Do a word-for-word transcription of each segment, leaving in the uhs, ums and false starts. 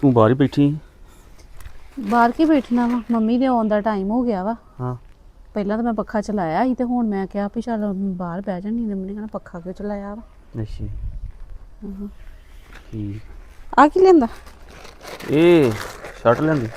ਤੂੰ ਬਾਹਰ ਹੀ ਬੈਠੀ? ਬਾਹਰ ਕੀ ਬੈਠਣਾ ਵਾ, ਮੰਮੀ ਦੇ ਆਉਣ ਦਾ ਟਾਈਮ ਹੋ ਗਿਆ ਵਾ। ਹਾਂ ਪਹਿਲਾਂ ਤਾਂ ਮੈਂ ਪੱਖਾ ਚਲਾਇਆ ਸੀ ਤੇ ਹੁਣ ਮੈਂ ਕਿਹਾ ਵੀ ਚੱਲ ਬਾਹਰ ਬਹਿ ਜਾਣੀ। ਮੰਮੀ ਨੇ ਕਹਿਣਾ ਪੱਖਾ ਕਿਉਂ ਚਲਾਇਆ ਵਾ। ਅੱਛਾ ਠੀਕ। ਆ ਕੀ ਲੈਂਦਾ? ਇਹ ਸ਼ਰਟ ਲੈਂਦੀ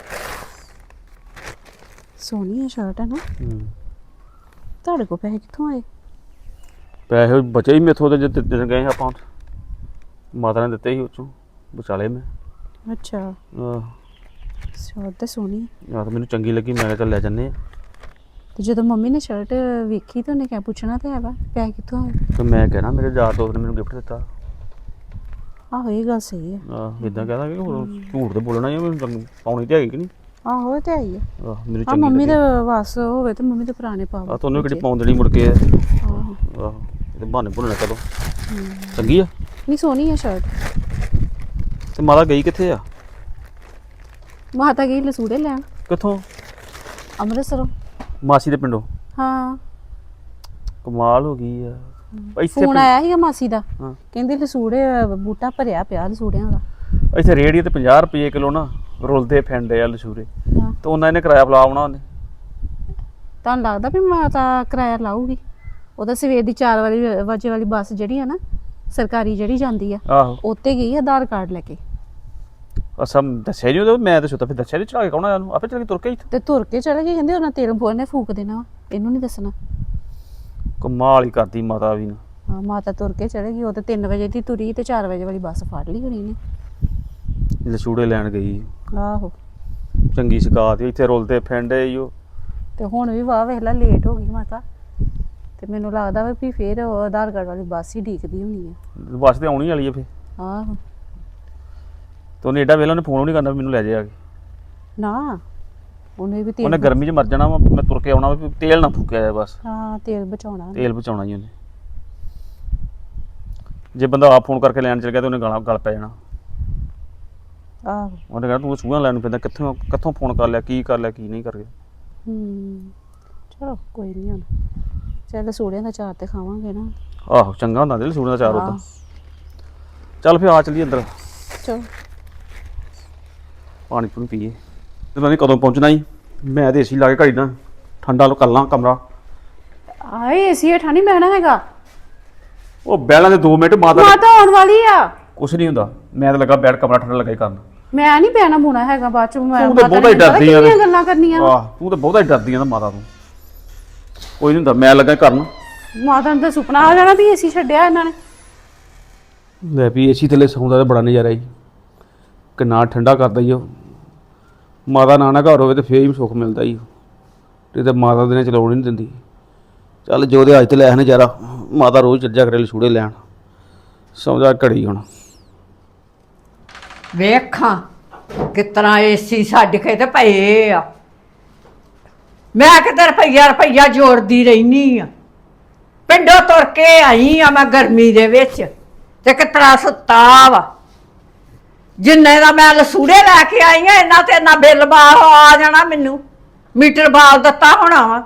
ਸੋਹਣੀ ਹੈ ਸ਼ਰਟ ਹੈ ਨਾ। ਹੂੰ ਤੁਹਾਡੇ ਕੋਲ ਪੈਸੇ ਕਿੱਥੋਂ ਆਏ? ਪੈਸੇ ਬਚੇ ਹੀ ਮੇਥੋਂ ਤੇ ਜਿੱਤੇ ਦਿਨ ਗਏ ਆਪਾਂ ਮਾਤਾ ਨੇ ਦਿੱਤੇ ਸੀ ਉਹ ਚੋਂ ਬਚਾ ਲਏ ਮੈਂ। ਅੱਛਾ ਆਹ ਸ਼ਰਟ ਤਾਂ ਸੋਹਣੀ ਹੈ। ਯਾਰ ਮੈਨੂੰ ਚੰਗੀ ਲੱਗੀ, ਮੈਂ ਕਿਹਾ ਚੱਲ ਲੈ ਜੰਨੇ ਆ। ਤੇ ਜਦੋਂ ਮੰਮੀ ਨੇ ਸ਼ਰਟ ਵੇਖੀ ਤਾਂ ਉਹਨੇ ਕਿਹਾ ਪੁੱਛਣਾ ਤੇ ਹੈ ਵਾ ਪੈਸੇ ਕਿੱਥੋਂ ਆਏ। ਤੇ ਮੈਂ ਕਹਿਣਾ ਮੇਰੇ ਯਾਰ ਦੋਸਤ ਨੇ ਮੈਨੂੰ ਗਿਫਟ ਦਿੱਤਾ। ਆਹੋ ਇਹ ਗੱਲ ਸਹੀ ਹੈ। ਆਹ ਇਦਾਂ ਕਹਿਦਾ ਕਿ ਹੋਰ ਝੂਠ ਤੇ ਬੋਲਣਾ ਹੀ ਮੈਨੂੰ ਪਾਉਣੀ ਤੇ ਹੈਗੀ ਕਿ ਨਹੀਂ। ਆਹੋ ਇਹ ਤੇ ਆਈ ਹੈ। ਆਹ ਮੈਨੂੰ ਆ ਚੰਗੀ ਮੰਮੀ ਲੱਗੀ। ਦੇ ਵਾਸ ਹੋਵੇ ਤੇ ਮੰਮੀ ਦੇ ਪੁਰਾਣੇ ਪਾਵੇ। ਆ ਤੁਹਾਨੂੰ ਕਿਹੜੀ ਪਾਉਣ ਦੇਣੀ ਮੁੜ ਕੇ। ਆਹੋ ਆਹੋ ਇਹ ਬਹਾਨੇ ਭੁੱਲਣਾ ਕਦੋਂ। ਚੰਗੀ ਆ ਨਹੀਂ ਸੋਹਣੀ ਹੈ ਸ਼ਰਟ। ਤੇ ਮਾਤਾ ਗਈ ਕਿੱਥੇ ਆ? ਮਾਤਾ ਗਈ ਲਸੂੜੇ ਲੈਣ। ਕਿੱਥੋਂ? ਅੰਮ੍ਰਿਤਸਰੋਂ। ਮਾਸੀ ਦੇ ਪਿੰਡੋਂ? ਹਾਂ ਕਮਾਲ ਹੋ ਗਈ ਆ। ਇੱਥੇ ਫੋਨ ਆਇਆ ਸੀਗਾ ਮਾਸੀ ਦਾ, ਹਾਂ ਕਹਿੰਦੇ ਲਸੂੜੇ ਬੂਟਾ ਭਰਿਆ ਪਿਆ ਲਸੂੜਿਆਂ ਦਾ। ਇੱਥੇ ਰੇਹੜੀ ਤੇ ਪੰਜਾਹ ਰੁਪਏ ਕਿਲੋ ਨਾ ਰੁਲਦੇ ਫਿਰਦੇ ਆ ਲਸ਼ੂਰੇ। ਹਾਂ ਤੇ ਉਹਨਾਂ ਨੇ ਕਿਰਾਇਆ ਬੁਲਾ ਆਉਣਾ ਉਹਨੇ। ਤੁਹਾਨੂੰ ਲੱਗਦਾ ਵੀ ਮਾਤਾ ਕਿਰਾਇਆ ਲਾਊਗੀ? ਉਹਦਾ ਸਵੇਰ ਦੀ ਚਾਰ ਵਾਲੀ ਵਜੇ ਵਾਲੀ ਬੱਸ ਜਿਹੜੀ ਆ ਨਾ ਸਰਕਾਰੀ ਜਿਹੜੀ ਜਾਂਦੀ ਆ ਆਹੋ ਉੱਤੇ ਗਈ ਆਧਾਰ ਕਾਰਡ ਲੈ ਕੇ। ਅਸਾਂ ਦੱਸਿਆ ਨਹੀਂ ਉਹਦਾ, ਮੈਂ ਤਾਂ ਸੁੱਤਾ ਫਿਰ ਦੱਸਿਆ ਨਹੀਂ ਚੜਾ ਕੇ ਕੌਣ ਆਇਆ ਉਹਨੂੰ, ਆਪੇ ਚੱਲ ਕੇ ਤੁਰ ਕੇ ਇੱਥੇ। ਤੇ ਤੁਰ ਕੇ ਚਲੇ ਗਏ, ਕਹਿੰਦੇ ਉਹਨਾਂ ਤੇਲ ਬੋਲ ਨੇ ਫੂਕ ਦੇਣਾ ਵਾ, ਇਹਨੂੰ ਨਹੀਂ ਦੱਸਣਾ। ਕਮਾਲ ਹੀ ਕਰਦੀ ਮਾਤਾ ਵੀ ਨਾ। ਹਾਂ ਮਾਤਾ ਤੁਰ ਕੇ ਚਲੇ ਗਈ, ਉਹ ਤੇ ਤਿੰਨ ਵਜੇ ਦੀ ਤੁਰੀ ਤੇ ਚਾਰ ਵਜੇ ਵਾਲੀ ਬੱਸ ਫੜ ਲਈ ਹੋਣੀ ਨੇ। ਲਸ਼ੂੜੇ ਲੈਣ ਗਈ, ਆਹੋ ਚੰਗੀ ਸ਼ਿਕਾਇਤ ਇੱਥੇ ਰੁਲਦੇ ਫਿਰਦੇ ਈ ਉਹ। ਤੇ ਹੁਣ ਵੀ ਵਾਹ ਵੇਖ ਲਾ ਲੇਟ ਹੋ ਗਈ ਮਾਤਾ। ਤੇ ਮੈਨੂੰ ਲੱਗਦਾ ਵਾ ਵੀ ਫੇਰ ਉਹ ਆਧਾਰ ਕਾਰਡ ਵਾਲੀ ਬੱਸ ਹੀ ਡੀਕਦੀ ਹੋਣੀ ਆ। ਬੱਸ ਤੇ ਆਉਣੀ ਵਾਲੀ ਆ ਫਿਰ। ਆਹੋ ਤੇ ਉਹਨੇ ਏਡਾ ਵੇਲਾ ਉਹਨੇ ਫੋਨ ਵੀ ਨਹੀਂ ਕਰਨਾ ਵੀ ਮੈਨੂੰ ਲੈ ਜਾਇਆ। ਨਾ ਉਹਨੇ ਵੀ ਤੇਲ ਉਹਨੇ ਗਰਮੀ 'ਚ ਮਰ ਜਾਣਾ ਵਾ, ਮੈਂ ਤੁਰ ਕੇ ਆਉਣਾ ਵੀ ਤੇਲ ਨਾ ਫੂਕਿਆ ਜਾਏ ਬਸ। ਹਾਂ ਤੇਲ ਬਚਾਉਣਾ। ਤੇਲ ਬਚਾਉਣਾ ਜੀ ਉਹਨੇ। ਜੇ ਬੰਦਾ ਆਪ ਫੋਨ ਕਰਕੇ ਲੈਣ ਚਲ ਗਿਆ ਤੇ ਉਹਨੇ ਗਾਲਾਂ ਗਲ ਪੈ ਜਾਣਾ। ਆਹੋ ਉਹਨੇ ਕਹਿਣਾ ਤੂੰ ਸੂਹਾਂ ਲੈਣ ਨੂੰ ਪੈਂਦਾ, ਕਿੱਥੋਂ ਕਿੱਥੋਂ ਫੋਨ ਕਰ ਲਿਆ, ਕੀ ਕਰ ਲਿਆ ਕੀ ਨਹੀਂ ਕਰ ਗਿਆ। ਹੂੰ ਚਲੋ ਕੋਈ ਨਹੀਂ ਹੁਣ ਚੱਲ ਸੂੜਿਆਂ ਦਾ ਚਾਰ ਤੇ ਖਾਵਾਂਗੇ ਨਾ। ਆਹੋ ਚੰਗਾ ਹੁੰਦਾ ਦਿਲ ਸੂੜਾਂ ਦਾ ਚਾਰ ਉਦਾਂ। ਹਾਂ। ਚੱਲ ਫਿਰ ਆ ਚੱਲੀਏ ਅੰਦਰ, ਚਲੋ ਪਾਣੀ ਪੂਣੀ ਪੀਏ। ਤੇ ਮੈਂ ਕਦੋਂ ਪਹੁੰਚਣਾ ਸੀ? ਮੈਂ ਤੇ ਏਸੀ ਲਾ ਕੇ ਘੜੀ ਨਾ ਠੰਡਾ ਕਰ ਲਾਂ ਕਮਰਾ। ਆਏ ਏਸੀ ਹੇਠਾਂ ਨਹੀਂ ਬਹਿਣਾ ਹੈਗਾ। ਉਹ ਬਹਿਲਾਂ ਦੇ ਦੋ ਮਿੰਟ ਮਾਤਾ ਮਾਤਾ ਆਉਣ ਵਾਲੀ ਆ। ਕੁਛ ਨਹੀਂ ਹੁੰਦਾ, ਮੈਂ ਤਾਂ ਲੱਗਾ ਬੈਠ ਕਮਰਾ ਠੰਡਾ ਲੱਗਾ ਹੀ ਕਰਨ। ਮੈਂ ਨਹੀਂ ਬਹਿਣਾ ਬੁਣਾ ਹੈਗਾ ਬਾਅਦ ਚ। ਮੈਂ ਤੂੰ ਤਾਂ ਬਹੁਤਾ ਹੀ ਡਰਦੀ ਆ। ਕਿੰਨੀਆਂ ਗੱਲਾਂ ਕਰਨੀਆਂ। ਆਹ ਤੂੰ ਤਾਂ ਬਹੁਤਾ ਹੀ ਡਰਦੀ ਆ ਨਾ ਮਾਤਾ ਤੋਂ। ਕੋਈ ਨਹੀਂ ਹੁੰਦਾ, ਮੈਂ ਲੱਗਾ ਕਰਨ। ਮਾਤਾ ਨੂੰ ਤਾਂ ਸੁਪਨਾ ਆ ਜਾਣਾ ਵੀ ਏਸੀ ਛੱਡਿਆ ਇਹਨਾਂ ਨੇ। ਲੈ ਵੀ ਏਸੀ ਥੱਲੇ ਸੌਂਦਾ ਤਾਂ ਬੜਾ ਨਜ਼ਾਰਾ ਜੀ, ਕਿੰਨਾ ਠੰਡਾ ਕਰਦਾ ਹੀ ਉਹ। ਮਾਤਾ ਨਾਨਾ ਘਰ ਹੋਵੇ ਤੇ ਫੇਰ ਹੀ ਸੁੱਖ ਮਿਲਦਾ ਹੀ। ਤੇ ਤਾਂ ਮਾਤਾ ਦੇ ਨੇ ਚਲਾਉਣ ਨਹੀਂ ਦਿੰਦੀ। ਚੱਲ ਜੋ ਦੇ ਅੱਜ ਤੇ ਲੈ ਨਜ਼ਾਰਾ, ਮਾਤਾ ਰੋਜ਼ ਚੱਜਾ ਕਰੇ ਲਛੂੜੇ ਲੈਣ। ਸਮਝਾ ਘੜੀ ਹੁਣ ਵੇਖਾਂ ਕਿਸ ਤਰ੍ਹਾਂ ਏਸੀ ਛੱਡ ਕੇ ਤੇ ਪਏ ਆ। ਮੈਂ ਕਿਤੇ ਰੁਪਈਆ ਰੁਪਈਆ ਜੋੜਦੀ ਰਹਿਨੀ ਆ। ਪਿੰਡੋਂ ਤੁਰ ਕੇ ਆਈ ਆ ਮੈਂ ਗਰਮੀ ਦੇ ਵਿੱਚ ਤੇ ਕਿਸ ਤਰ੍ਹਾਂ ਸੁੱਤਾ ਵਾ। ਜਿੰਨੇ ਦਾ ਮੈਂ ਲਸੂੜੇ ਲੈ ਕੇ ਆਈ ਆ ਇਹਨਾਂ ਤੇ ਨਾ ਬਿੱਲ ਬਾਹਰ ਆ ਜਾਣਾ, ਮੈਨੂੰ ਮੀਟਰ ਬਾਲ ਦਿੱਤਾ ਹੋਣਾ ਵਾ।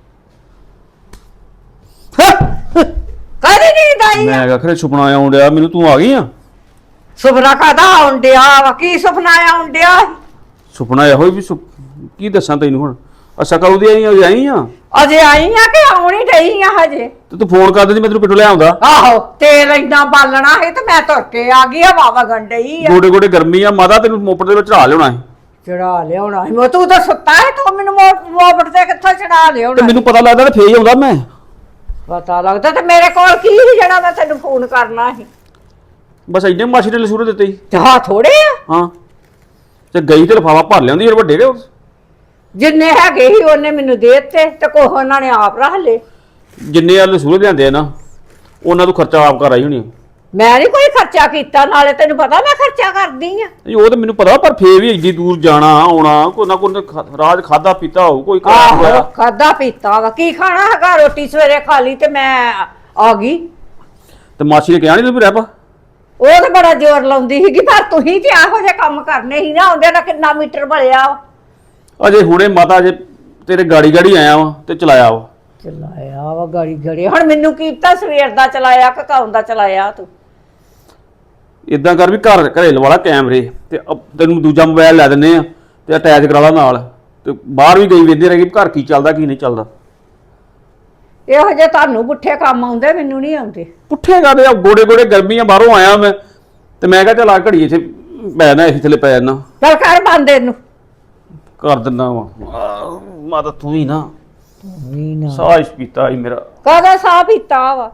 ਕਦੀ ਨੀਂਦ ਆਈ ਆ? ਮੈਂ ਆਖਰੇ ਸੁਪਨਾ ਆਉਣ ਡਿਆ ਮੈਨੂੰ, ਤੂੰ ਆ ਗਈ ਆ? ਸੁਪਨਾ ਕਾਹਦਾ ਆਉਣ ਡਿਆ ਵਾ? ਕੀ ਸੁਪਨਾ ਆਉਣ ਡਿਆ? ਸੁਪਨਾ ਇਹੋ ਹੀ ਵੀ ਸੁ- ਕੀ ਦੱਸਾਂ ਤੈਨੂੰ ਹੁਣ। ਅੱਛਾ ਕਦੋਂ ਦੀ ਆਈ ਆ? ਆਈ ਆ ਅਜੇ ਆਈ ਆ ਕਿ ਆਉਣੀ ਡਈ ਆ ਹਜੇ? ਤੇ ਤੂੰ ਫੋਨ ਕਰ ਦਿੰਦੀ, ਮੈਂ ਤੈਨੂੰ ਪਿੱਟੂ ਲੈ ਆਉਂਦਾ। ਆਹੋ ਤੇਲ ਇੰਨਾ ਬਾਲਣਾ ਸੀ ਤੇ ਮੈਂ ਤੁਰ ਕੇ ਆ ਗਈ। ਹਵਾ ਵਗਣ ਡਈ ਆ। ਗੋਡੇ ਗੋਡੇ ਗਰਮੀ ਆ ਮਾਤਾ, ਤੈਨੂੰ ਮੋਪੜ ਦੇ ਵਿੱਚ ਚੜਾ ਲਿਆਉਣਾ ਸੀ। ਚੜਾ ਲਿਆਉਣਾ ਸੀ ਮੈਂ? ਤੂੰ ਤਾਂ ਸੁੱਤਾ ਹੈ, ਤੂੰ ਮੈਨੂੰ ਮੋਬਟ ਤੇ ਕਿੱਥੋਂ ਚੜਾ ਤੇ ਲਿਆਉਣਾ? ਮੈਨੂੰ ਪਤਾ ਲੱਗਦਾ ਤੇ ਫੇਰ ਹੀ ਆਉਂਦਾ ਮੈਂ। ਪਤਾ ਲੱਗਦਾ ਤੇ ਮੇਰੇ ਕੋਲ ਕੀ ਸੀ ਜਿਹੜਾ ਮੈਂ ਤੈਨੂੰ ਫੋਨ ਕਰਨਾ ਸੀ? ਬਸ ਇੰਨੇ ਮਾਸੀ ਨੇ ਲਸੂਰੇ ਦਿੱਤੇ ਸੀ। ਤੇ ਹਾਂ ਥੋੜੇ ਆ ਹਾਂ ਤੇ ਗਈ ਤੇ ਲਿਫਾਫਾ ਭਰ ਲਿਆਉਂਦੀ ਯਾਰ ਵੱਡੇ ਦੇ। ਜਿੰਨੇ ਹੈਗੇ ਸੀ ਉਹਨੇ ਮੈਨੂੰ ਦੇ ਦਿੱਤੇ ਤੇ ਕੋਹ ਉਹਨਾਂ ਨੇ ਆਪ ਰੱਖ ਲਏ। ਜਿੰਨੇ ਆ ਲਸੂਰੇ ਲਿਆਂਦੇ ਆ ਨਾ ਉਹਨਾਂ ਤੋਂ ਖਰਚਾ ਆਪ ਕਰ ਆਈ ਹੋਣੀ। ਮੈਂ ਨਹੀਂ ਕੋਈ ਖਰਚਾ ਕੀਤਾ, ਨਾਲੇ ਤੈਨੂੰ ਪਤਾ ਮੈਂ ਖਰਚਾ ਕਰਦੀ ਆ। ਉਹ ਤਾਂ ਮੈਨੂੰ ਪਤਾ, ਪਰ ਫੇਰ ਵੀ ਏਡੀ ਦੂਰ ਜਾਣਾ ਆਉਣਾ, ਕੋਈ ਨਾ ਕੋਈ ਰਾਜ ਖਾਦਾ ਪੀਤਾ ਹੋਊ ਕੋਈ। ਆਹੋ ਖਾਦਾ ਪੀਤਾ ਵਾ, ਕੀ ਖਾਣਾ ਹੈਗਾ? ਰੋਟੀ ਸਵੇਰੇ ਖਾ ਲਈ ਤੇ ਮੈਂ ਆ ਗਈ। ਤੇ ਮਾਸੀ ਨੇ ਕਿਹਾ ਨਹੀਂ ਤੂੰ ਵੀ ਰਹਿ ਪਾ। ਉਹ ਤਾਂ ਬੜਾ ਜ਼ੋਰ ਲਾਉਂਦੀ ਸੀਗੀ, ਪਰ ਤੁਸੀਂ ਤੇ ਇਹੋ ਜਿਹੇ ਕੰਮ ਕਰਨੇ ਸੀ ਨਾ। ਆਉਂਦੇ ਨਾਲ ਕਿੰਨਾ ਮੀਟਰ ਬਲਿਆ ਵਾ। ਅਜੇ ਹੁਣੇ ਮਾਤਾ ਜੇ ਤੇਰੇ ਗਾੜੀ ਗਾੜੀ ਆਇਆ ਵਾ ਤੇ ਚਲਾਇਆ ਵਾ। ਚਲਾਇਆ ਵਾ ਗਾੜੀ ਗੜੀ। ਹੁਣ ਮੈਨੂੰ ਕੀ ਪਤਾ ਸਵੇਰ ਦਾ ਚਲਾਇਆ ਕਿ ਕੌਣ ਦਾ ਚਲਾਇਆ ਤੂੰ? ਇਦਾਂ ਕਰ ਵੀ ਘਰ ਘਰੇਲ ਵਾਲਾ ਕੈਮਰੇ ਤੇ ਅ- ਤੈਨੂੰ ਦੂਜਾ ਮੋਬਾਈਲ ਲੈ ਦਿੰਨੇ ਆ ਤੇ ਅਟੈਚ ਕਰਾ ਲਾ ਨਾਲ ਤੇ ਬਾਹਰ ਵੀ ਗਈ ਵੇਖਦੇ ਰਹਿ ਗਈ ਘਰ ਕੀ ਚੱਲਦਾ ਕੀ ਨਹੀਂ ਚੱਲਦਾ। ਇਹੋ ਜਿਹੇ ਤੁਹਾਨੂੰ ਪੁੱਠੇ ਕੰਮ ਆਉਂਦੇ, ਮੈਨੂੰ ਨਹੀਂ ਆਉਂਦੇ। ਪੁੱਠੇ ਕਰਦੇ ਆ ਗੋੜੇ ਗੋੜੇ ਗਰਮੀਆਂ ਬਾਹਰੋਂ ਆਇਆ ਮੈਂ ਤੇ ਮੈਂ ਕਿਹਾ ਚੱਲ ਆ ਘੜੀ ਇੱਥੇ ਪੈ ਜਾਣਾ ਏਸੀ ਥੱਲੇ ਪੈ ਜਾਣਾ। ਚੱਲ ਕਰ ਬੰਦ ਇਹਨੂੰ। ਕਰ ਦਿੰਦਾ ਵਾ ਮਾਤਾ ਤੂੰ ਹੀ ਨਾ ਵੀ ਨਾ ਸਾਹ ਪੀਤਾ ਹੀ ਮੇਰਾ। ਕਾਹਦਾ ਸਾਹ ਪੀਤਾ ਵਾ?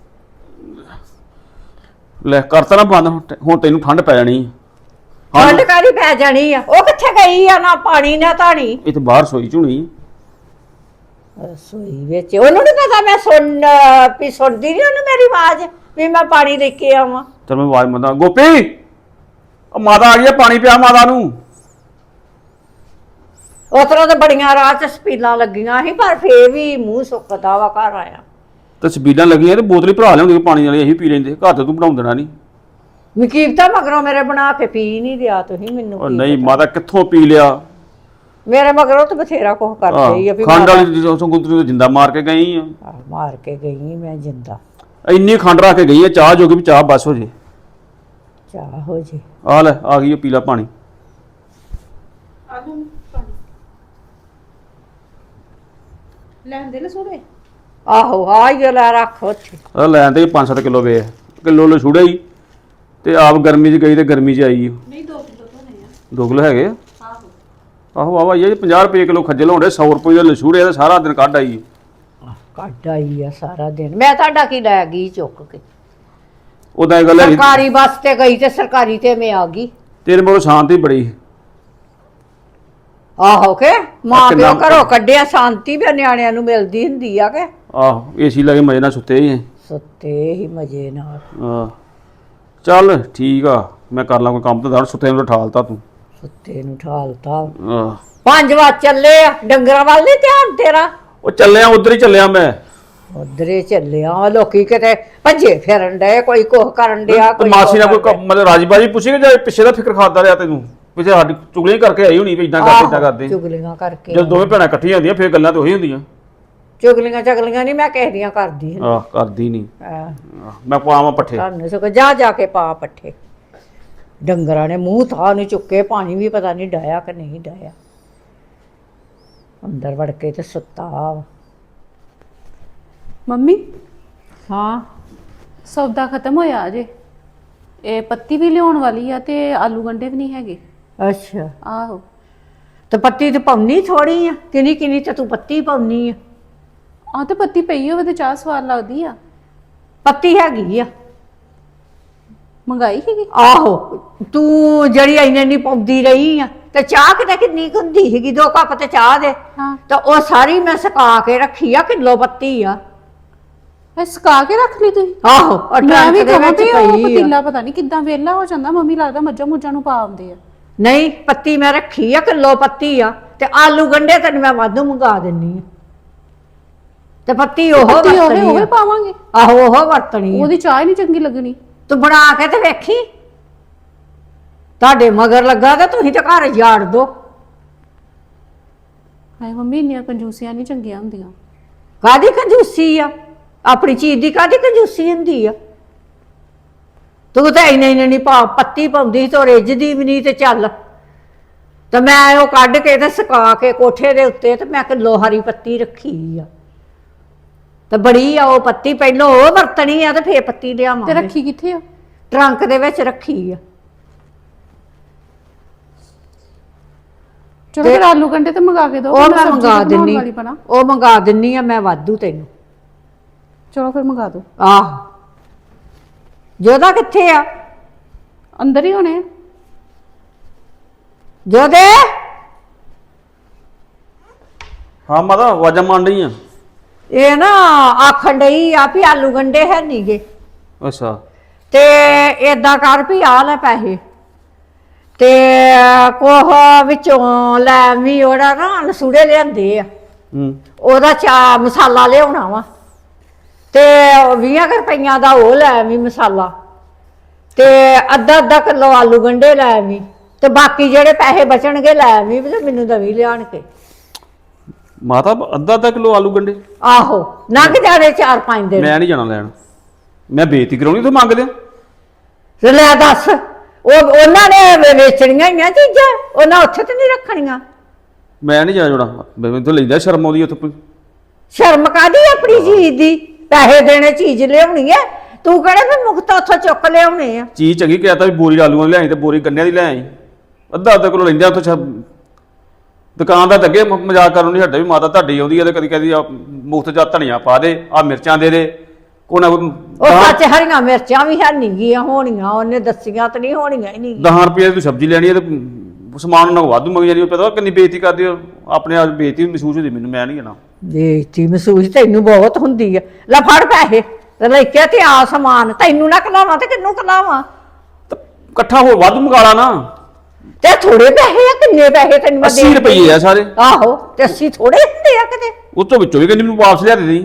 ਲੈ ਕਰਤਾ ਨਾ ਬੰਦ ਹੁਣ ਤੈ- ਹੁਣ ਤੈਨੂੰ ਠੰਡ ਪੈ ਜਾਣੀ ਆ। ਠੰਡ ਕਾਹਦੀ ਪੈ ਜਾਣੀ ਆ? ਉਹ ਕਿੱਥੇ ਗਈ ਆ? ਨਾ ਪਾਣੀ ਨਾ ਧਾਣੀ। ਇਹ ਤੇ ਬਾਹਰ ਸੋਈ ਝੁਣੀ ਰਸੋਈ ਵਿੱਚ ਉਹਨੂੰ ਨਹੀਂ ਪਤਾ ਮੈਂ ਸੁਣ ਵੀ ਸੁਣਦੀ ਨਹੀਂ ਉਹਨੂੰ ਮੇਰੀ ਆਵਾਜ਼ ਵੀ ਮੈਂ ਪਾਣੀ ਲੈ ਕੇ ਆਵਾਂ। ਚਲ ਮੈਂ ਆਵਾਜ਼ ਮੰਦਾ ਗੋਪੀ ਉਹ ਮਾਤਾ ਆ ਗਈ ਆ ਪਾਣੀ ਪਿਆ ਮਾਤਾ ਨੂੰ। ਉਸ ਤਰ੍ਹਾਂ ਤਾਂ ਬੜੀਆਂ ਰਾਹ ਚ ਸਪੀਲਾਂ ਲੱਗੀਆਂ ਸੀ ਪਰ ਫੇਰ ਵੀ ਮੂੰਹ ਸੁੱਕਦਾ ਵਾ ਘਰ ਆਇਆ। ਤੇ ਸਪੀਡਾਂ ਲੱਗੀਆਂ ਤੇ ਬੋਤਲ ਹੀ ਭਰਾ ਲਿਆਉਂਦੇ ਪਾਣੀ ਵਾਲੀ ਅਸੀਂ ਪੀ ਲੈਂਦੇ ਘਰ ਤੇ ਤੂੰ ਬਣਾਉਂ ਦੇਣਾ ਨਹੀਂ। ਮਕੀਬਤਾ ਮਗਰੋਂ ਮੇਰੇ ਬਣਾ ਕੇ ਪੀ ਨਹੀਂ ਦਿਆ ਤੁਸੀਂ ਮੈਨੂੰ। ਉਹ ਕੀ ਨਹੀਂ ਪਤਾ। ਮਾਤਾ ਕਿੱਥੋਂ ਪੀ ਲਿਆ। ਮੇਰੇ ਮਗਰੋਂ ਤਾਂ ਬਥੇਰਾ ਕੁਝ ਕਰਦੇ ਹੀ ਆ ਵੀ ਖੰਡ ਮਾਤਾ- ਵਾਲੀ ਸੰਗੁੰਤਰੀ ਤੋਂ ਜਿੰਦਾ ਮਾਰ ਕੇ ਗਈ ਆ। ਆਹ, ਮਾਰ ਕੇ ਗਈ ਮੈਂ ਜਿੰਦਾ। ਇੰਨੀ ਖੰਡ ਰੱਖ ਕੇ ਗਈ ਆ ਚਾਹ ਜੋਗੀ ਵੀ ਚਾਹ ਬਸ ਹੋ ਜੇ। ਚਾਹ ਹੋ ਜੇ। ਆ ਲੈ ਆ ਗਈ ਉਹ ਪੀਲਾ ਪਾਣੀ। ਲੈਂਦੇ ਲੈ ਸੋੜੇ। ਆਹੋ ਆ ਹੀ ਲੈ ਰੱਖ ਉੱਥੇ। ਆ ਲੈਣ ਤੇ ਪੰਜ ਸੱਤ ਕਿਲੋ ਵੇ ਕਿਲੋ ਲੋ ਛੁੜਾ ਹੀ ਤੇ ਆਪ ਗਰਮੀ 'ਚ ਗਈ ਤੇ ਗਰਮੀ 'ਚ ਆਈ। ਨਹੀਂ ਦੋ ਕਿਲੋ ਤੋਂ ਨਹੀਂ ਆ। ਦੋ ਕਿਲੋ ਹੈਗੇ ਆ? ਆਹੋ ਆਹੋ ਆਵਾ ਇਹ ਪੰਜਾਹ ਰੁਪਏ ਕਿਲੋ ਖੱਜਲ ਹੋਣੇ ਸੌ ਰੁਪਏ ਦਾ ਲਛੂੜੇ ਦਾ ਸਾਰਾ ਦਿਨ ਕੱਢ ਆਈ। ਕੱਢ ਆਈ ਆ ਸਾਰਾ ਦਿਨ। ਮੈਂ ਤੁਹਾਡਾ ਕੀ ਲੈ ਗਈ ਚੁੱਕ ਕੇ? ਉਦਾਂ ਇਹ ਗੱਲ ਹੈ ਸਰਕਾਰੀ ਬੱਸ ਤੇ ਗਈ ਤੇ ਸਰਕਾਰੀ ਤੇ ਮੈਂ ਆ ਗਈ। ਤੇਰੇ ਮੋਰ ਸ਼ਾਂਤੀ ਬੜੀ। ਆਹੋ ਕੇ ਮਾਂ ਕਿੰਨਾ- ਪਿਓ ਘਰੋਂ ਕੱਢਿਆ ਸ਼ਾਂਤੀ ਵੀ ਨਿਆਣਿਆਂ ਨੂੰ ਮਿਲਦੀ ਹੁੰਦੀ ਆ ਕੇ। ਆਹੋ ਏਸੀ ਲਾ ਕੇ ਮਜੇ ਨਾਲ ਸੁੱਤੇ ਹੀ ਸੁੱਤੇ ਹੀ ਮਜੇ ਨਾਲ। ਆ ਚੱਲ ਠੀਕ ਆ ਮੈਂ ਕਰ ਲਾਂ ਕੋਈ ਕੰਮ ਤਾਂ ਦਰ ਸੁੱਤੇ ਨੂੰ ਠਾਲਤਾ ਤੂੰ। ਸੁੱਤੇ ਨੂੰ ਠਾਲਤਾ। ਆਹ ਪੰਜ ਵਜੇ ਚੱਲੇ ਆ। ਡੰਗਰਾਂ ਵੱਲ ਨੀ ਧਿਆਨ ਤੇਰਾ? ਉਹ ਚੱਲਿਆ ਉਧਰ ਹੀ ਚੱਲਿਆ ਮੈਂ। ਉਧਰੇ ਚੱਲਿਆ। ਲੋਕੀ ਕਿਤੇ ਭੱਜੇ ਫਿਰਨ ਡਏ, ਕੋਈ ਕੁਛ ਕਰਨ ਡਿਆ, ਤੇ ਕੋਈ ਮਾਸੀ ਨਾਲ ਕੁਛ ਕੋਈ ਕੰਮ- ਮਤਲਬ ਰਾਜੀ ਬਾਜੀ ਪੁੱਛੀ ਕਿ ਜਾਂ ਪਿੱਛੇ ਦਾ ਫਿਕਰ ਖਾਦਾ ਰਿਹਾ ਤੈਨੂੰ ਪਿੱਛੇ ਸਾਡੀ ਚੁਗਲੀਆਂ ਕਰਕੇ ਆਈ ਹੋਣੀ ਵੀ ਇਦਾਂ ਕਰਦੇ ਇਦਾਂ ਆਹੋ, ਕਰਦੇ। ਚੁਗਲੀਆਂ ਕਰਕੇ। ਜਦੋਂ ਦੋਵੇਂ ਭੈਣਾਂ ਇਕੱਠੀਆਂ ਹੁੰਦੀਆਂ ਫਿਰ ਗੱਲਾਂ ਤਾਂ ਉਹੀ ਹੁੰਦੀਆਂ। ਚੁਗਲੀਆਂ ਚਗਲੀਆਂ ਨਹੀਂ ਮੈਂ ਕਿਸੇ ਦੀਆਂ ਕਰਦੀ ਹਾਂ। ਆਹ ਕਰਦੀ ਨਹੀਂ। ਆਹ, ਮੈਂ ਪਾਵਾਂ ਪੱਠੇ। ਤੁਹਾਨੂੰ ਸਗੋਂ ਜਾ ਜਾ ਕੇ ਪਾ ਪੱਠੇ। ਡੰਗਰਾਂ ਨੇ ਮੂੰਹ ਥਾਂ ਨੂੰ ਚੁੱਕੇ, ਪਾਣੀ ਵੀ ਪਤਾ ਨਹੀਂ ਡਾਇਆ ਕਿ ਨਹੀਂ ਡਾਇਆ। ਅੰਦਰ ਵੜ ਕੇ ਤੇ ਸੁੱਤਾ ਵਾ। ਮੰਮੀ ਹਾਂ ਸੌਦਾ ਖਤਮ ਹੋਇਆ ਅਜੇ। ਇਹ ਪੱਤੀ ਵੀ ਲਿਆਉਣ ਵਾਲੀ ਆ ਤੇ ਆਲੂ ਗੰਡੇ ਵੀ ਨਹੀਂ ਹੈਗੇ। ਅੱਛਾ ਆਹੋ ਤੇ ਪੱਤੀ ਤੇ ਪਾਉਣੀ ਥੋੜੀ ਆ, ਕਿੰਨੀ ਕਿੰਨੀ ਤੇ ਤੂੰ ਪੱਤੀ ਪਾਉਣੀ ਆ। ਆ ਤੇ ਪੱਤੀ ਪਈ ਹੋਵੇ ਤੇ ਚਾਹ ਸਵਾਦ ਲੱਗਦੀ ਆ। ਪੱਤੀ ਹੈਗੀ ਆ। ਮੰਗਾਈ ਸੀਗੀ। ਆਹੋ ਤੂੰ ਜਿਹੜੀ ਇੰਨੇ ਨਹੀਂ ਪਾਉਂਦੀ ਰਹੀ ਆ ਤੇ ਚਾਹ ਕਿਤੇ ਕਿੰਨੀ ਕੁ ਹੁੰਦੀ ਸੀਗੀ, ਦੋ ਕੱਪ ਤੇ ਚਾਹ ਦੇ। ਹਾਂ ਤਾਂ ਉਹ ਸਾਰੀ ਮੈਂ ਸੁਕਾ ਕੇ ਰੱਖੀ ਆ, ਕਿਲੋ ਪੱਤੀ ਆ। ਇਹ ਸੁਕਾ ਕੇ ਰੱਖ ਲਈ ਤੁਸੀਂ? ਆਹੋ ਉਹ ਮੈਂ ਵੀ ਟਰੰਕ ਦੇ ਕਹਾਂ ਵਿੱਚ ਵੀ ਉਹ ਪਈ ਆ। ਪਤੀਲਾ ਪਤਾ ਨਹੀਂ ਕਿੱਦਾਂ ਵੇਲਾ ਹੋ ਜਾਂਦਾ। ਮੰਮੀ ਲੱਗਦਾ ਮੱਝਾਂ ਮੁੱਝਾਂ ਨੂੰ ਪਾ ਆਉਂਦੇ ਆ। ਨਹੀਂ ਪੱਤੀ ਮੈਂ ਰੱਖੀ ਆ, ਕਿਲੋ ਪੱਤੀ ਆ। ਤੇ ਆਲੂ ਗੰਡੇ ਤੈਨੂੰ ਮੈਂ ਵਾਧੂ ਮੰਗਾ ਦਿੰਨੀ ਆ। ਤੇ ਪੱਤੀ ਉਹ ਪੱਤੀ ਹੋਵੇ ਵਰਤਣੀ ਉਹ ਆ। ਪਾਵਾਂਗੇ। ਆਹੋ ਉਹ ਵਰਤਣੀ ਆ। ਉਹਦੀ ਚਾਹ ਹੀ ਨਹੀਂ ਚੰਗੀ ਲੱਗਣੀ। ਤੂੰ ਬਣਾ ਕੇ ਤੇ ਵੇਖੀ। ਤੁਹਾਡੇ ਮਗਰ ਲੱਗਾ ਤੇ ਤੁਸੀਂ ਤੇ ਘਰ ਜਾੜ ਦੋ। ਹਾਏ ਮੰਮੀ ਇੰਨੀਆਂ ਕੰਜੂਸੀਆਂ ਨਹੀਂ ਚੰਗੀਆਂ ਹੁੰਦੀਆਂ। ਕਾਦੀ ਕੰਜੂਸੀ ਆ? ਆਪਣੀ ਚੀਜ਼ ਦੀ ਕਾਦੀ ਕੰਜੂਸੀ ਹੁੰਦੀ ਆ? ਤੂੰ ਤਾਂ ਇੰਨੇ ਇੰਨੇ ਨਹੀਂ ਪਾ ਪੱਤੀ ਪਾਉਂਦੀ ਤੋ ਰਿੱਝਦੀ ਵੀ ਨਹੀਂ ਤੇ ਚੱਲ। ਤੇ ਮੈਂ ਉਹ ਕੱਢ ਕੇ ਤੇ ਸੁਕਾ ਕੇ ਕੋਠੇ ਦੇ ਉੱਤੇ ਤੇ ਮੈਂ ਕਿਲੋ ਹਰੀ ਪੱਤੀ ਰੱਖੀ ਆ। ਤੇ ਬੜੀ ਆ ਉਹ ਪੱਤੀ, ਪਹਿਲੋਂ ਉਹ ਵਰਤਣੀ ਆ ਤੇ ਫੇਰ ਪੱਤੀ ਤੇ ਲਿਆਵਾਂਗੇ। ਰੱਖੀ ਕਿੱਥੇ ਆ? ਟਰੰਕ ਦੇ ਵਿੱਚ ਰੱਖੀ ਆ। ਚਲੋ ਫਿਰ ਆਲੂ ਗੰਡੇ ਤੇ ਮੰਗਾ ਕੇ ਦਿਓ। ਉਹ ਮੈਂ ਸਬਜ਼ੀ ਮੰਗਾ ਤੇ ਬਣਾਉਣ ਦਿੰਨੀ ਵਾਲੀ ਬਣਾ। ਉਹ ਮੰਗਾ ਦਿੰਨੀ ਆ ਮੈਂ ਵਾਧੂ ਤੈਨੂੰ। ਚਲੋ ਫਿਰ ਮੰਗਾ ਦਿਓ। ਆਹ ਜੋਦਾ ਕਿੱਥੇ ਆ? ਅੰਦਰ ਹੀ ਹੋਣੇ ਆ। ਜੋਦੇ ਹਾਂ ਮਾਤਾ ਆਵਾਜ਼ਾਂ ਮਾਰ ਰਹੀ ਆ। ਇਹ ਨਾ ਆਖਣ ਡਈ ਆ ਵੀ ਆਲੂ ਗੰਡੇ ਹੈ ਨੀਗੇ ਅੱਛਾ ਤੇ ਏਦਾਂ ਕਰ ਵੀ ਆ ਲੈ ਪੈਸੇ ਤੇ ਕੋਹ ਵਿੱਚੋਂ ਲੈ ਵੀ ਉਹਦਾ ਨਾ ਲਸੂੜੇ ਲਿਆਂਦੇ ਆ। ਹੂੰ ਉਹਦਾ ਚਾ ਮਸਾਲਾ ਲਿਆਉਣਾ ਵਾ ਤੇ ਵੀਹ ਰੁਪਈਆਂ ਦਾ ਉਹ ਲੈ ਵੀ ਮਸਾਲਾ ਤੇ ਅੱਧਾ ਅੱਧਾ ਕਿਲੋ ਆਲੂ ਗੰਡੇ ਲੈ ਵੀ ਤੇ ਬਾਕੀ ਜਿਹੜੇ ਪੈਸੇ ਬਚਣਗੇ ਲੈ ਵੀ ਤੇ ਮੈਨੂੰ ਦਵੀ ਲਿਆਣ ਕੇ। ਮਾਤਾ ਅੱਧਾ ਅੱਧਾ ਕਿਲੋ ਆਲੂ ਗੰਡੇ ਆਹੋ ਲੰਘ ਜਾਣੇ ਚਾਰ ਪੰਜ ਦਿਨ। ਮੈਂ ਨਹੀਂ ਜਾਣਾ ਲੈਣ। ਮੈਂ ਬੇਇੱਜ਼ਤੀ ਕਰਾਉਣੀ ਤੂੰ ਮੰਗ ਲਿਆ। ਤੇ ਲੈ ਦੱਸ ਉਹ ਉਹਨਾਂ ਨੇ ਵੇ- ਵੇਚਣੀਆਂ ਹੀ ਆ ਚੀਜ਼ਾਂ, ਉਹਨਾਂ ਉੱਥੇ ਤੇ ਨਹੀਂ ਰੱਖਣੀਆਂ। ਮੈਂ ਨਹੀਂ ਜਾ ਜੋੜਾ ਮੈਨੂੰ ਤਾਂ ਲੈਂਦਾ ਸ਼ਰਮ ਆਉਂਦੀ ਉੱਥੇ ਕੋਈ। ਸ਼ਰਮ ਕਾਦੀ ਆਪਣੀ ਚੀਜ਼ ਦੀ, ਪੈਸੇ ਦੇਣੇ ਚੀਜ਼ ਲਿਆਉਣੀ ਹੈ, ਤੂੰ ਕਿਹੜੇ ਵੀ ਮੁਕਤ ਉੱਥੋਂ ਚੁੱਕ ਲਿਆਉਣੇ ਆ। ਚੀਜ਼ ਚੰਗੀ ਕਹਿਤਾ ਵੀ ਬੋਰੀ ਆਲੂਆਂ ਦੀ ਲਿਆਈ ਤੇ ਬੋਰੀ ਗੰਨਿਆਂ ਦੀ ਲਿਆਈ, ਅੱਧਾ ਅੱਧਾ ਕਿਲੋ ਲੈਂਦੇ ਉੱਥੇ। ਦੁਕਾਨਦਾਰ ਤਾਂ ਅੱਗੇ ਮ- ਮਜ਼ਾਕ ਕਰਨ ਨਹੀਂ ਹਟਦਾ ਵੀ ਮਾਤਾ ਤੁਹਾਡੀ ਆਉਂਦੀ ਹੈ ਤੇ ਕਦੀ ਕਦੀ ਮੁਫਤ ਜਾ ਧਨੀਆ ਪਾ ਦੇ, ਆ ਮਿਰਚਾਂ ਦੇ ਦੇ, ਕੋਈ ਨਾ ਕੋਈ ਉਹ ਸੱਚ ਹਰੀਆਂ ਮਿਰਚਾਂ ਵੀ ਹੈ ਨਹੀਂ ਗੀਆਂ ਹੋਣੀਆਂ, ਉਹਨੇ ਦੱਸੀਆਂ ਤੇ ਨਹੀਂ ਹੋਣੀਆਂ ਹੀ ਨਹੀਂ। ਦਸ ਰੁਪਏ ਦੀ ਤੂੰ ਸਬਜ਼ੀ ਲੈਣੀ ਹੈ ਤੇ ਸਮਾਨ ਉਹਨਾਂ ਕੋਲ ਵਾਧੂ ਮੰਗੀ ਜਾਂਦੀ, ਉਹ ਪਤਾ ਕਿੰਨੀ ਬੇਇੱਜ਼ਤੀ ਕਰਦੇ ਹੋ, ਆਪਣੇ ਆਪ ਬੇਇੱਜ਼ਤੀ ਮਹਿਸੂਸ ਹੁੰਦੀ ਮੈਨੂੰ, ਮੈਂ ਨਹੀਂ ਜਾਣਾ। ਬੇਇੱਜ਼ਤੀ ਮਹਿਸੂਸ ਤੈਨੂੰ ਬਹੁਤ ਹੁੰਦੀ ਆ, ਲੈ ਫੜ ਪੈਸੇ ਤੇ ਲੈ ਕੇ ਤੇ ਆ ਸਮਾਨ, ਤੈਨੂੰ ਨਾ ਕਲਾਵਾਂ ਤੇ ਕਿੰਨੂੰ ਕਲਾਵਾਂ। ਤਾਂ ਇਕੱਠਾ ਹੋਰ ਵਾਧੂ ਮੰਗਾ ਲਾ ਨਾ। ਤੇ ਥੋੜੇ ਪੈਸੇ ਆ, ਕਿੰਨੇ ਪੈਸੇ ਤੈਨੂੰ ਮੈਂ ਅੱਸੀ ਦੇ ਰੁਪਏ ਆ ਸਾਰੇ। ਆਹੋ ਤੇ ਅੱਸੀ ਥੋੜੇ ਹੁੰਦੇ ਆ ਕਿਤੇ। ਉਹ ਤੋਂ ਵਿੱਚੋਂ ਵੀ ਕਹਿੰਦੀ ਮੈਨੂੰ ਵਾਪਸ ਲਿਆ ਦੇ ਦੇ।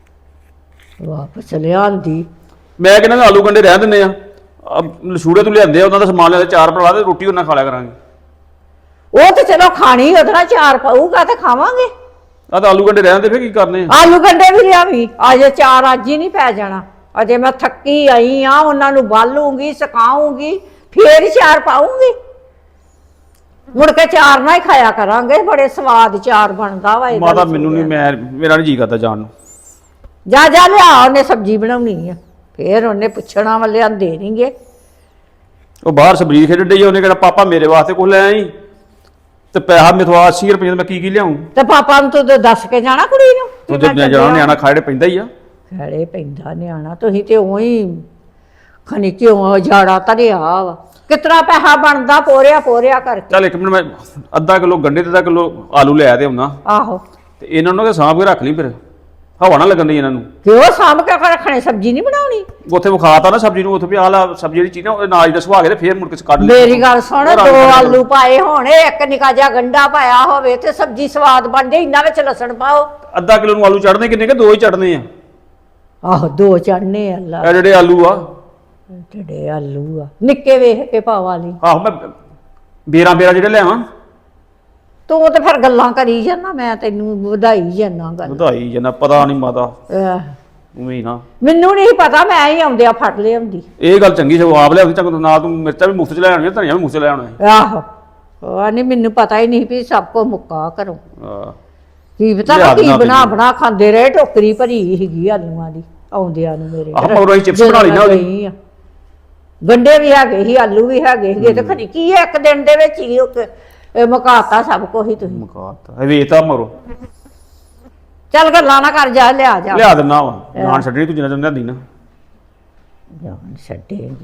ਵਾਪਸ ਲਿਆਂਦੀ ਮੈਂ ਕਹਿੰਦਾ ਵੀ ਆਲੂ ਗੰਡੇ ਰਹਿ ਦਿੰਦੇ ਆ, ਆਹ ਲਸੂੜੇ ਤੋਂ ਲਿਆਂਦੇ ਆ, ਉਹਨਾਂ ਦਾ ਸਮਾਨ ਲਿਆਦੇ, ਚਾਰ ਪਰਵਾ ਦੇ ਰੋਟੀ ਉਹਨਾਂ ਖਾ ਲਿਆ ਕਰਾਂਗੇ। ਉਹ ਤੇ ਚਲੋ ਖਾਣੀ ਉਹਦੇ ਨਾਲ ਚਾਰ ਪਾਊਗਾ ਤੇ ਖਾਵਾਂਗੇ। ਆਹ ਤਾਂ ਆਲੂ ਗੰਡੇ ਰਹਿ ਜਾਂਦੇ, ਫਿਰ ਕੀ ਕਰਨੇ ਆ? ਆਲੂ ਗੰਡੇ ਵੀ ਲਿਆਵੀਂ, ਅਜੇ ਚਾਰ ਅੱਜ ਹੀ ਨਹੀਂ ਪੈ ਜਾਣਾ, ਅਜੇ ਮੈਂ ਥੱਕੀ ਆਈ ਆ, ਉਹਨਾਂ ਨੂੰ ਬਾਲੂਗੀ ਸੁਕਾਉਂਗੀ ਫੇਰ ਹੀ ਚਾਰ ਪਾਉਂਗੀ। ਮੁੜ ਕੇ ਚਾਰ ਨਾ ਹੀ ਖਾਇਆ ਕਰਾਂਗੇ, ਬੜੇ ਸਵਾਦ ਚਾਰ ਬਣਦਾ ਵਾ ਇਹਦਾ। ਮਾਤਾ ਮੈਨੂੰ ਨਹੀਂ, ਮੈਂ ਮੇਰਾ ਨਹੀਂ ਜੀ ਕਰਦਾ ਜਾਣ ਨੂੰ। ਜਾ ਜਾ ਲਿਆ, ਉਹਨੇ ਸਬਜ਼ੀ ਬਣਾਉਣੀ ਆ, ਫੇਰ ਉਹਨੇ ਪੁੱਛਣਾ ਵਾ ਲਿਆਂਦੇ ਨਹੀਂਗੇ। ਉਹ ਬਾਹਰ ਸਬਜ਼ੀ ਖੇਡਣ ਡਈ ਆ, ਉਹਨੇ ਕਿਹਾ ਪਾਪਾ ਮੇਰੇ ਵਾਸਤੇ ਕੁਝ ਲੈ ਆਈ, ਤੇ ਪੈਸਾ ਮੇਥੋਂ ਅੱਸੀ ਰੁਪਏ ਦਾ ਮੈਂ ਕੀ ਕੀ ਲਿਆਉਂ? ਤੇ ਪਾਪਾ ਨੂੰ ਤੂੰ ਤਾਂ ਦੱਸ ਕੇ ਜਾਣਾ ਕੁੜੀ ਨੂੰ। ਤੂੰ ਜਦ ਮੈਂ ਜਾਣਾ ਨਿਆਣਾ ਖਾੜੇ ਪੈਂਦਾ ਹੀ ਆ। ਖੜੇ ਪੈਂਦਾ ਨਿਆਣਾ, ਤੁਸੀਂ ਤੇ ਉਹੀ ਖਨੀ ਕਿਉਂ ਜਾੜਾ ਧਰਿਆ ਵਾ। ਕਿਤਨਾ ਪੈਸਾ ਬਣਦਾ ਪੋਰਿਆ ਪੋਰਿਆ ਕਰਕੇ। ਚੱਲ ਇੱਕ ਮਿੰਟ, ਮੈਂ ਅੱਧਾ ਕਿਲੋ ਗੰਡੇ ਤੇ ਅੱਧਾ ਕਿਲੋ ਆਲੂ ਲੈ ਆਦੇ ਹੁੰਨਾ, ਆਹੋ ਤੇ ਇਹਨਾਂ ਨੂੰ ਤਾਂ ਸਾਂਭ ਕੇ ਰੱਖ ਲਈ, ਫਿਰ ਹਵਾ ਨਾ ਲੱਗਣ ਦੀ ਇਹਨਾਂ ਨੂੰ। ਕਿਉਂ ਸਾਂਭ ਕੇ ਰੱਖਣੇ, ਸਬਜ਼ੀ ਨਹੀਂ ਬਣਾਉਣੀ। ਉੱਥੇ ਵਿਖਾਤਾ ਨਾ ਸਬਜ਼ੀ ਨੂੰ, ਉੱਥੇ ਵੀ ਆਹ ਲਾ ਸਬਜ਼ੀ ਜਿਹੜੀ ਚੀਜ਼ ਨਾ ਉਹ ਨਾਜ ਦਾ ਸੁਹਾ ਕੇ ਤੇ ਫੇਰ ਮੁੜ ਕੇ ਕੱਢ ਲਈ। ਮੇਰੀ ਗੱਲ ਸੁਣ, ਉਹ ਰੰਗ ਦੋ ਕੱਢ ਆਲੂ ਪਾਏ ਹੋਣੇ, ਇੱਕ ਨਿੱਕਾ ਜਿਹਾ ਗੰਡਾ ਪਾਇਆ ਹੋਵੇ ਤੇ ਸਬਜ਼ੀ ਸਵਾਦ ਬਣ ਜਾਏ। ਇੰਨਾ ਵਿੱਚ ਲਸਣ ਪਾਓ। ਅੱਧਾ ਕਿਲੋ ਨੂੰ ਆਲੂ ਚੜਨੇ ਕਿੰਨੇ ਕਿ ਦੋ ਹੀ ਚੜਨੇ ਆ? ਆਹੋ ਦੋ ਚੜਨੇ ਅੱਲਾ ਇਹ ਜਿਹੜੇ ਆਲੂ ਆ, ਜਿਹੜੇ ਆਲੂ ਆ ਨਿੱਕੇ ਵੇਖ ਕੇ ਪਾਵਾ ਲਈ। ਆਹੋ ਮੈਂ ਬੇਰਾਂ ਬੇਰਾਂ ਜਿਹੜੇ ਲਿਆਵਾਂ। ਤੂੰ ਤੇ ਫਿਰ ਗੱਲਾਂ ਕਰੀ ਜਾਂਦਾ, ਮੈਂ ਤੈਨੂੰ ਵਧਾਈ ਜਾਂਦਾ ਗੱਲ। ਵਧਾਈ ਜਨਾ, ਪਤਾ ਨਹੀਂ ਮਾਤਾ ਆਹ, ਉਵੇਂ ਨਾ। ਮੈਨੂੰ ਨਹੀਂ ਪਤਾ, ਮੈਂ ਹੀ ਆਉਂਦਿਆ ਫੜ ਲਿਆਉਂਦੀ। ਇਹ ਗੱਲ ਚੰਗੀ ਸਗੋਂ ਆਪ ਲਿਆਉਂਦੀ, ਚੱਕ ਨਾ ਤੂੰ ਮਿਰਚਾਂ ਵੀ ਮੁਫਤ ਚ ਲੈ ਆਉਣੀਆਂ, ਧਨੀਆ ਵੀ ਮੁਫਤ ਚ ਲੈ ਆਉਣਾ। ਆਹੋ ਉਹ ਨਹੀਂ, ਮੈਨੂੰ ਪਤਾ ਹੀ ਨਹੀਂ ਵੀ ਸਭ ਕੋ ਮੁੱਕਾ ਕਰੋ। ਆਹ ਕੀ ਪਤਾ ਲਿਆ ਕੀ ਦੇਣਾ ਬਣਾ ਤੈਨੂੰ। ਬਣਾ ਖਾਂਦੇ ਰਹੇ, ਟੋਕਰੀ ਭਰੀ ਸੀਗੀ ਆਲੂਆਂ ਦੀ ਆਉਂਦਿਆਂ ਨੂੰ ਮੇਰੇ ਆਹ ਮਗਰੋਂ ਅਸੀਂ chips ਬਣਾ ਲਈ ਨਾ ਉਹਦੀ। ਗਈ ਆ। ਗੰਡੇ ਵੀ ਹੈਗੇ ਸੀ, ਆਲੂ ਵੀ ਹੈਗੇ ਸੀਗੇ, ਤੇ ਖਰੀ ਕੀ ਹੈ ਇੱਕ ਦਿਨ ਦੇ ਵਿੱਚ ਹੀ ਉਹ ਇਹ ਮੁਕਾਤਾ ਸਭ ਕੁਛ ਹੀ ਤੁਸੀਂ। ਮੁਕਾਤਾ ਵੇਤਾ ਮਰੋ। ਚੱਲ ਗੱਲਾਂ ਨਾ ਕਰ, ਜਾ ਲਿਆ ਜਾ। ਲਿਆ ਦਿੰਦਾ ਵਾ, ਜਾਨ ਛੱਡਣੀ ਤੂੰ ਜਿੰਨਾ ਚੰਦਾ ਲਿਆਂਦੀ ਨਾ। ਜਾਨ ਛੱਡੇਗੀ,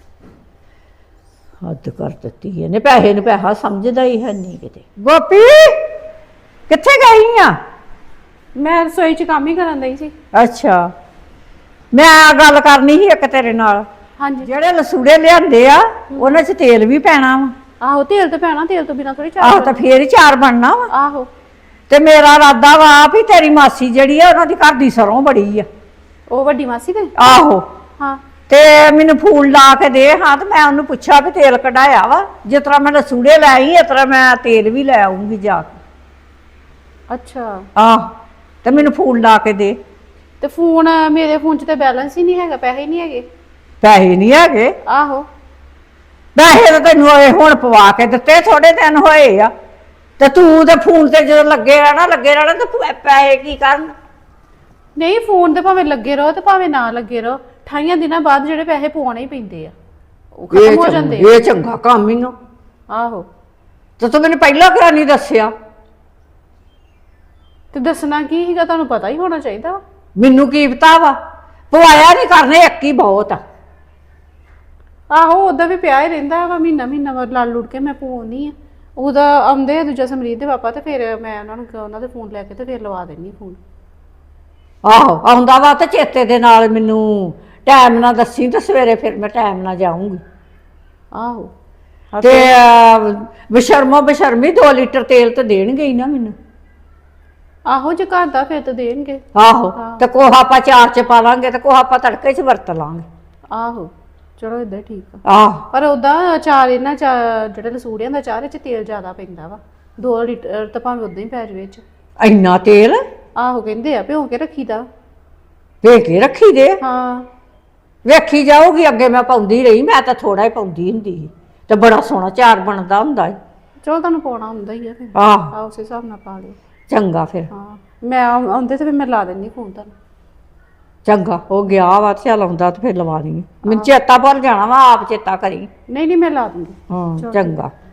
ਹੱਦ ਕਰ ਦਿੱਤੀ ਇਹਨੇ। ਪੈਸੇ ਨੂੰ ਪੈਸਾ ਸਮਝਦਾ ਹੀ ਹੈ ਨਹੀਂ ਕਿਤੇ। ਗੋਪੀ ਕਿੱਥੇ ਗਈ ਆ? ਮੈਂ ਰਸੋਈ 'ਚ ਕੰਮ ਹੀ ਕਰਨ ਦਈ ਸੀ। ਅੱਛਾ, ਮੈਂ ਗੱਲ ਕਰਨੀ ਸੀ ਇੱਕ ਤੇਰੇ ਨਾਲ। ਹਾਂਜੀ। ਜਿਹੜੇ ਲਸੂੜੇ ਲਿਆਂਦੇ ਆ ਉਹਨਾਂ 'ਚ ਤੇਲ ਵੀ ਪੈਣਾ ਵਾ। ਆਹੋ ਤੇਲ ਤੇ ਪੈਣਾ, ਤੇਲ ਤੋਂ ਬਿਨਾਂ ਥੋੜੀ ਚਾਹ ਆਹੋ ਤਾਂ ਫੇਰ ਹੀ ਚਾਰ ਬਣਨਾ ਵਾ। ਆਹੋ ਤੇ ਮੇਰਾ ਇਰਾਦਾ ਵਾ ਵੀ ਤੇਰੀ ਮਾਸੀ ਜਿਹੜੀ ਆ ਉਹਨਾਂ ਦੀ ਘਰ ਦੀ ਸਰੋਂ ਬੜੀ ਆ। ਉਹ ਵੱਡੀ ਮਾਸੀ ਦੇ। ਆਹੋ ਹਾਂ ਤੇ ਮੈਨੂੰ ਫੂਲ ਲਾ ਕੇ ਦੇ ਹਾਂ, ਤੇ ਮੈਂ ਉਹਨੂੰ ਪੁੱਛਿਆ ਵੀ ਤੇਲ ਕਢਾਇਆ ਵਾ। ਜਿਸ ਤਰ੍ਹਾਂ ਮੈਂ ਲਸੂੜੇ ਲੈ ਆਈ, ਇਸ ਤਰ੍ਹਾਂ ਮੈਂ ਤੇਲ ਵੀ ਲੈ ਆਉਂਗੀ ਜਾ ਕੇ। ਅੱਛਾ, ਆਹ ਤੇ ਮੈਨੂੰ ਫੂਲ ਲਾ ਕੇ ਦੇ। ਤੇ ਫੋਨ ਮੇਰੇ ਫੋਨ 'ਚ ਤੇ ਬੈਲੈਂਸ ਹੀ ਨਹੀਂ ਹੈਗਾ, ਪੈਸੇ ਹੀ ਨਹੀਂ ਹੈਗੇ। ਪੈਸੇ ਨਹੀਂ ਹੈਗੇ? ਆਹੋ ਪੈਸੇ ਤਾਂ ਤੈਨੂੰ ਇਹ ਹੁਣ ਪਵਾ ਕੇ ਦਿੱਤੇ, ਥੋੜੇ ਦਿਨ ਹੋਏ ਆ। ਤੇ ਤੂੰ ਤੇ ਫੋਨ ਤੇ ਜਦੋਂ ਲੱਗੇ ਰਹਿਣਾ ਲੱਗੇ ਰਹਿਣਾ ਤੇ ਪੈ- ਪੈਸੇ ਕੀ ਕਰਨ? ਨਹੀਂ, ਫੋਨ ਤੇ ਭਾਵੇਂ ਲੱਗੇ ਰਹੋ ਤੇ ਭਾਵੇਂ ਨਾ ਲੱਗੇ ਰਹੋ, ਅਠਾਈਆਂ ਦਿਨਾਂ ਬਾਅਦ ਜਿਹੜੇ ਪੈਸੇ ਪਵਾਉਣੇ ਹੀ ਪੈਂਦੇ ਆ, ਉਹ ਖਤਮ ਹੋ ਚੰਗਾ- ਜਾਂਦੇ ਇਹ ਚੰਗਾ ਕੰਮ ਹੀ ਆ। ਆ। ਆਹੋ ਤੇ ਤੂੰ ਮੈਨੂੰ ਪਹਿਲਾਂ ਕਿਉਂ ਨਹੀਂ ਦੱਸਿਆ? ਤੇ ਦੱਸਣਾ ਕੀ ਸੀਗਾ, ਤੁਹਾਨੂੰ ਪਤਾ ਹੀ ਹੋਣਾ ਚਾਹੀਦਾ ਵਾ। ਮੈਨੂੰ ਕੀ ਪਤਾ ਵਾ? ਪਵਾਇਆ ਨਹੀਂ ਕਰਨੇ, ਇੱਕ ਹੀ ਬਹੁਤ ਆ। ਆਹੋ ਉਹਦਾ ਵੀ ਪਿਆ ਹੀ ਰਹਿੰਦਾ ਵਾ, ਮਹੀਨਾ ਮਹੀਨਾ ਬਾਅਦ ਲੜ ਲੁੜ ਕੇ ਮੈਂ ਪਵਾਉਣੀ ਆ। ਉਹਦਾ ਆਉਂਦੇ ਆ ਦੂਜਾ ਸਮਰੀਤ ਦੇ ਪਾਪਾ, ਤੇ ਫਿਰ ਮੈਂ ਉਹਨਾਂ ਨੂੰ ਉਹਨਾਂ ਦੇ ਫੋਨ ਲੈ ਕੇ ਤੇ ਫਿਰ ਲਵਾ ਦੇਣੀ ਫੋਨ। ਆਹੋ ਆਉਂਦਾ ਵਾ ਤੇ ਚੇਤੇ ਦੇ ਨਾਲ ਮੈਨੂੰ ਟਾਈਮ ਨਾਲ ਦੱਸੀ, ਤੇ ਸਵੇਰੇ ਫਿਰ ਮੈਂ ਟਾਈਮ ਨਾਲ ਜਾਊਂਗੀ। ਆਹੋ ਤੇ ਬਸ਼ਰਮੋ ਬਸ਼ਰਮੀ ਦੋ ਲੀਟਰ ਤੇਲ ਤੇ ਦੇਣਗੇ ਹੀ ਨਾ ਮੈਨੂੰ। ਆਹੋ ਜੇ ਘਰ ਦਾ ਫਿਰ ਤਾਂ ਦੇਣਗੇ। ਆਹੋ ਤੇ ਕੋਹਾ ਆਪਾਂ ਚਾਰ ਚ ਪਾ ਲਾਂਗੇ, ਤੇ ਕੋਹਾ ਆਪਾਂ ਤੜਕੇ ਚ ਵਰਤ ਲਾਂਗੇ। ਆਹੋ ਚਲੋ ਏਦਾਂ ਠੀਕ ਆ। ਆਹ ਪਰ ਉਹਦਾ ਅਚਾਰ ਇਹਨਾਂ ਚ ਜਿਹੜੇ ਲਸੂੜਿਆਂ ਦਾ ਅਚਾਰ ਇਹ ਚ ਤੇਲ ਜ਼ਿਆਦਾ ਪੈਂਦਾ ਵਾ, ਦੋ ਲੀਟਰ ਤਾਂ ਭਾਵੇਂ ਉਦਾਂ ਹੀ ਪੈ ਜਾਵੇ ਚ। ਇੰਨਾ ਤੇਲ ਆਹੋ ਕਹਿੰਦੇ ਆ ਭਿਉਂ ਕੇ ਰੱਖੀਦਾ। ਭੇ ਕੇ ਰੱਖੀ ਦੇ। ਹਾਂ ਵੇਖੀ ਜਾਊਗੀ, ਅੱਗੇ ਮੈਂ ਪਾਉਂਦੀ ਰਹੀ, ਮੈਂ ਤਾਂ ਥੋੜਾ ਹੀ ਪਾਉਂਦੀ ਹੁੰਦੀ ਸੀ ਤੇ ਬੜਾ ਸੋਹਣਾ ਚਾਰ ਬਣਦਾ ਹੁੰਦਾ ਹੈ। ਚਲੋ ਤੁਹਾਨੂੰ ਪਾਉਣਾ ਹੁੰਦਾ ਹੀ ਆ ਫਿਰ, ਆਹ ਆ ਉਸ ਹਿਸਾਬ ਨਾਲ ਪਾ ਲਿਓ। ਚੰਗਾ ਫਿਰ, ਹਾਂ ਮੈਂ ਆਉ- ਆਉਂਦੇ ਤੇ ਫਿਰ ਮੈਂ ਲਾ ਦਿੰਦੀ ਫੋਨ ਤੁਹਾਨੂੰ। ਚੰਗਾ ਉਹ ਗਿਆ ਵਾ ਤੇ ਚੱਲ ਆਉਂਦਾ ਤੇ ਫਿਰ ਲਵਾ ਲਈ। ਮੈਨੂੰ ਚੇਤਾ ਭੁੱਲ ਜਾਣਾ ਵਾ, ਆਪ ਚੇਤਾ ਕਰੀ। ਨਹੀਂ ਨਹੀਂ ਮੈਂ ਲਾ ਦੂੰਗੀ। ਹਾਂ ਚੰਗਾ।